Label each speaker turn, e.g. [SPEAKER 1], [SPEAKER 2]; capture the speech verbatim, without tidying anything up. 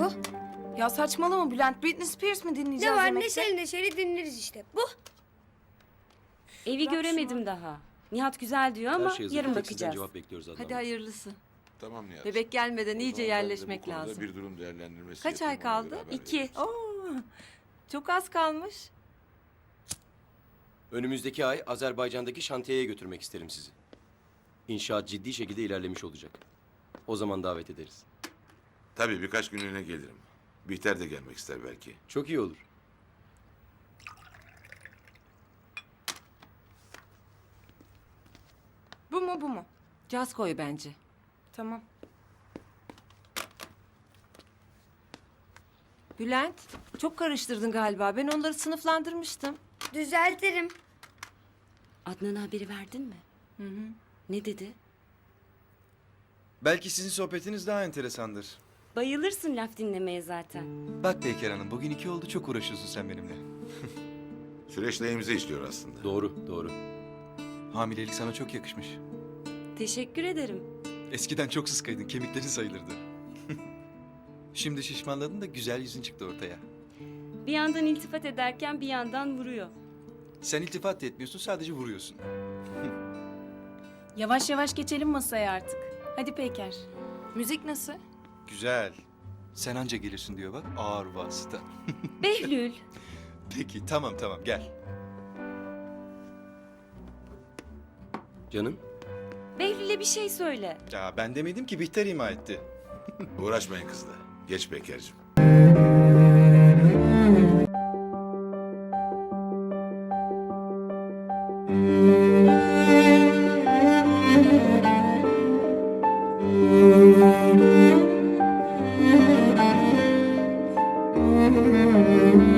[SPEAKER 1] Bu.
[SPEAKER 2] Ya saçmalama Bülent. Britney Spears mi dinleyeceğiz
[SPEAKER 1] Ne var
[SPEAKER 2] yemekte?
[SPEAKER 1] neşeli neşeli dinleriz işte. Bu.
[SPEAKER 3] Evi
[SPEAKER 2] Bırak
[SPEAKER 3] göremedim
[SPEAKER 2] şunu.
[SPEAKER 3] daha. Nihat güzel diyor ama
[SPEAKER 4] Her şey hazır.
[SPEAKER 3] yarın
[SPEAKER 4] Bir tek sizden
[SPEAKER 3] bakacağız.
[SPEAKER 4] cevap bekliyoruz Adnan
[SPEAKER 5] Hadi
[SPEAKER 4] Bey.
[SPEAKER 5] hayırlısı.
[SPEAKER 6] Tamam Nihat.
[SPEAKER 5] Bebek gelmeden
[SPEAKER 6] O
[SPEAKER 5] iyice
[SPEAKER 6] zaman ben de
[SPEAKER 5] yerleşmek
[SPEAKER 6] bu konuda
[SPEAKER 5] lazım.
[SPEAKER 6] Bir durum değerlendirmesi
[SPEAKER 5] Kaç ay
[SPEAKER 6] yapayım, ona
[SPEAKER 5] kaldı?
[SPEAKER 6] göre haber
[SPEAKER 3] İki.
[SPEAKER 6] veririz.
[SPEAKER 5] Oo, çok az kalmış.
[SPEAKER 4] Önümüzdeki ay Azerbaycan'daki şantiyeye götürmek isterim sizi. İnşaat ciddi şekilde ilerlemiş olacak. O zaman davet ederiz.
[SPEAKER 6] Tabii birkaç günlüğüne gelirim. Bihter de gelmek ister belki.
[SPEAKER 4] Çok iyi olur.
[SPEAKER 2] Bu mu bu mu?
[SPEAKER 5] Caz koy bence.
[SPEAKER 2] Tamam.
[SPEAKER 5] Bülent, çok karıştırdın galiba. Ben onları sınıflandırmıştım.
[SPEAKER 1] Düzeltirim.
[SPEAKER 3] Adnan'a haberi verdin mi?
[SPEAKER 5] Hı hı.
[SPEAKER 3] Ne dedi?
[SPEAKER 7] Belki sizin sohbetiniz daha enteresandır.
[SPEAKER 3] Bayılırsın laf dinlemeye zaten.
[SPEAKER 7] Bak Peyker Hanım, bugün iki oldu, çok uğraşıyorsun sen benimle.
[SPEAKER 6] Süreç lehimize işliyor aslında.
[SPEAKER 4] Doğru, doğru.
[SPEAKER 7] Hamilelik sana çok yakışmış.
[SPEAKER 3] Teşekkür ederim.
[SPEAKER 7] Eskiden çok sıskaydın, kemiklerin sayılırdı. Şimdi şişmanladın da güzel yüzün çıktı ortaya.
[SPEAKER 3] Bir yandan iltifat ederken bir yandan vuruyor.
[SPEAKER 7] Sen iltifat da etmiyorsun, sadece vuruyorsun.
[SPEAKER 2] Yavaş yavaş geçelim masaya artık. Hadi Peyker. Müzik nasıl?
[SPEAKER 7] Güzel. Sen anca gelirsin diyor bak, ağır vasıta.
[SPEAKER 3] Behlül.
[SPEAKER 7] Peki, tamam tamam, gel.
[SPEAKER 4] Canım,
[SPEAKER 3] Behlül'e bir şey söyle.
[SPEAKER 7] Ya ben demedim ki, Bihter ima etti.
[SPEAKER 6] Uğraşmayın kızla. Geç Beker'cim.
[SPEAKER 8] Thank you.